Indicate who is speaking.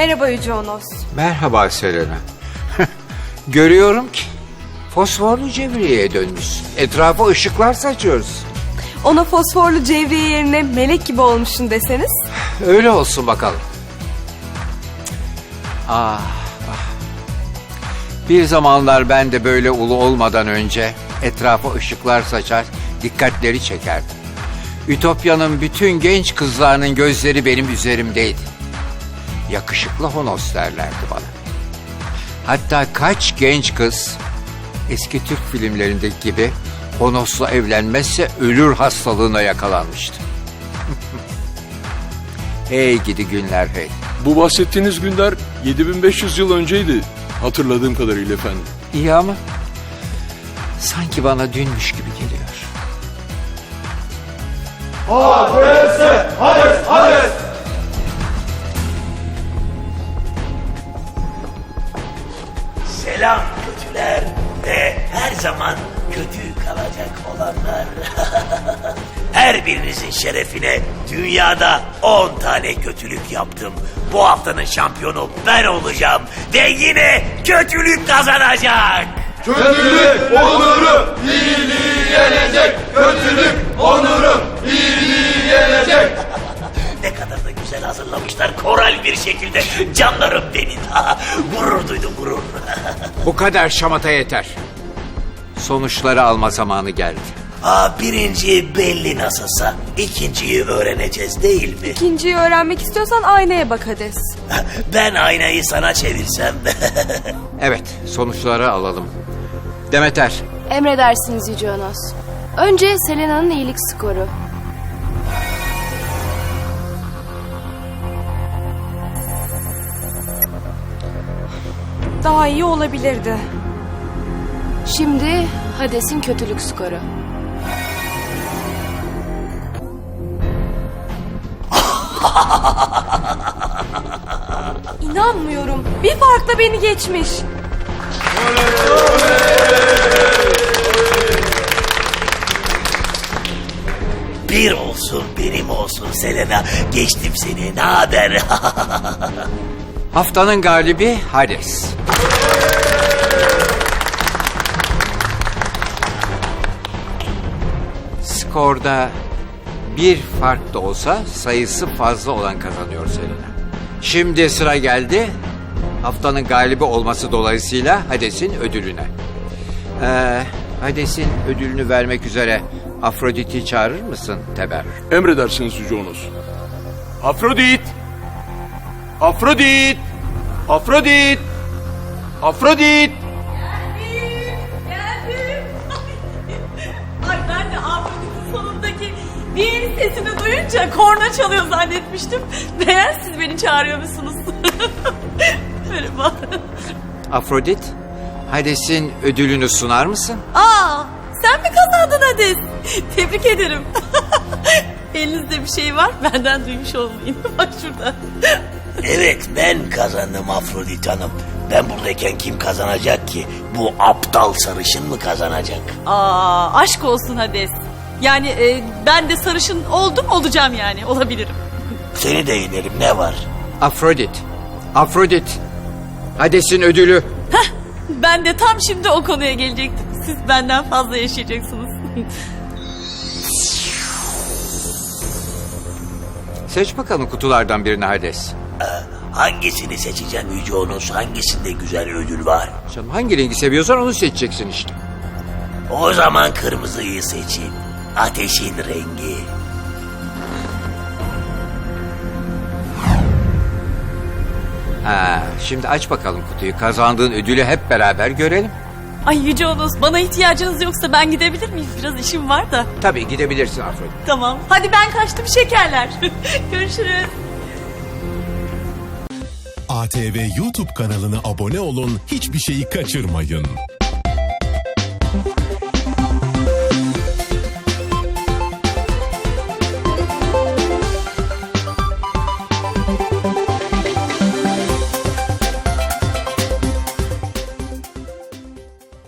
Speaker 1: Merhaba Yüce Onos.
Speaker 2: Merhaba Selena. Görüyorum ki fosforlu cevriyeye dönmüşsün. Etrafa ışıklar saçıyoruz.
Speaker 1: Ona fosforlu cevriye yerine melek gibi olmuşsun deseniz.
Speaker 2: Öyle olsun bakalım. Ah. Bir zamanlar ben de böyle ulu olmadan önce etrafa ışıklar saçar, dikkatleri çekerdim. Ütopya'nın bütün genç kızlarının gözleri benim üzerimdeydi. Yakışıklı Honos derlerdi bana. Hatta kaç genç kız eski Türk filmlerindeki gibi Honos'la evlenmezse ölür hastalığına yakalanmıştı. Hey gidi günler hey.
Speaker 3: Bu bahsettiğiniz günler 7500 yıl önceydi. Hatırladığım kadarıyla efendim.
Speaker 2: İyi ama sanki bana dünmüş gibi geliyor.
Speaker 4: Hades!
Speaker 5: Selam kötüler ve her zaman kötü kalacak olanlar. Her birinizin şerefine dünyada 10 tane kötülük yaptım. Bu haftanın şampiyonu ben olacağım ve yine kötülük kazanacak.
Speaker 4: Kötülük onuru iyiliği yenecek. Kötülük onuru iyiliği yenecek.
Speaker 5: Ne kadar da güzel hazırlamışlar koral bir şekilde. Canlarım benim. Gurur duydum gurur.
Speaker 2: Bu kadar şamata yeter. Sonuçları alma zamanı geldi.
Speaker 5: Birinci belli nasılsa ikinciyi öğreneceğiz değil mi?
Speaker 1: İkinciyi öğrenmek istiyorsan aynaya bak Hades.
Speaker 5: Ben aynayı sana çevirsem.
Speaker 2: Evet, sonuçları alalım. Demeter,
Speaker 6: Emredersiniz Yüce Onos. Önce Selena'nın iyilik skoru.
Speaker 1: Daha iyi olabilirdi.
Speaker 6: Şimdi Hades'in kötülük skoru.
Speaker 1: İnanmıyorum. Bir farkla beni geçmiş.
Speaker 5: Bir olsun benim olsun Selena. Geçtim seni, ne haber?
Speaker 2: haftanın galibi Hades. Skorda bir fark da olsa sayısı fazla olan kazanıyor Selena. Şimdi sıra geldi haftanın galibi olması dolayısıyla Hades'in ödülüne. Hades'in ödülünü vermek üzere Afrodit'i çağırır mısın Teber?
Speaker 3: Emredersiniz Yüce Onos. Afrodit! Afrodit! Afrodit! Afrodit!
Speaker 7: Geldim. Ay ben de Afrodit'in sonundaki bir sesini duyunca korna çalıyor zannetmiştim. Meğer siz beni çağırıyormuşsunuz. Merhaba.
Speaker 2: Afrodit, Hades'in ödülünü sunar mısın?
Speaker 7: Sen mi kazandın Hades? Tebrik ederim. Elinizde bir şey var, benden duymuş olmayın. Bak şurada.
Speaker 5: Evet, ben kazandım Afrodit Hanım. Ben buradayken kim kazanacak ki? Bu aptal sarışın mı kazanacak?
Speaker 7: Aşk olsun Hades. Yani ben de sarışın oldum, olacağım yani, olabilirim.
Speaker 5: Seni de yenerim, ne var?
Speaker 2: Afrodit, Hades'in ödülü.
Speaker 7: Ben de tam şimdi o konuya gelecektim. Siz benden fazla yaşayacaksınız.
Speaker 2: Seç bakalım kutulardan birini Hades.
Speaker 5: Hangisini seçeceğim Yüce Onos? Hangisinde güzel ödül var?
Speaker 2: Canım hangi rengi seviyorsan onu seçeceksin işte.
Speaker 5: O zaman kırmızıyı seçeyim. Ateşin rengi.
Speaker 2: Şimdi aç bakalım kutuyu. Kazandığın ödülü hep beraber görelim.
Speaker 7: Ay Yüce Onos, bana ihtiyacınız yoksa ben gidebilir miyim? Biraz işim var da.
Speaker 2: Tabii gidebilirsin Afrodit.
Speaker 7: Tamam. Hadi ben kaçtım şekerler. Görüşürüz.
Speaker 8: ATV YouTube kanalına abone olun, hiçbir şeyi kaçırmayın.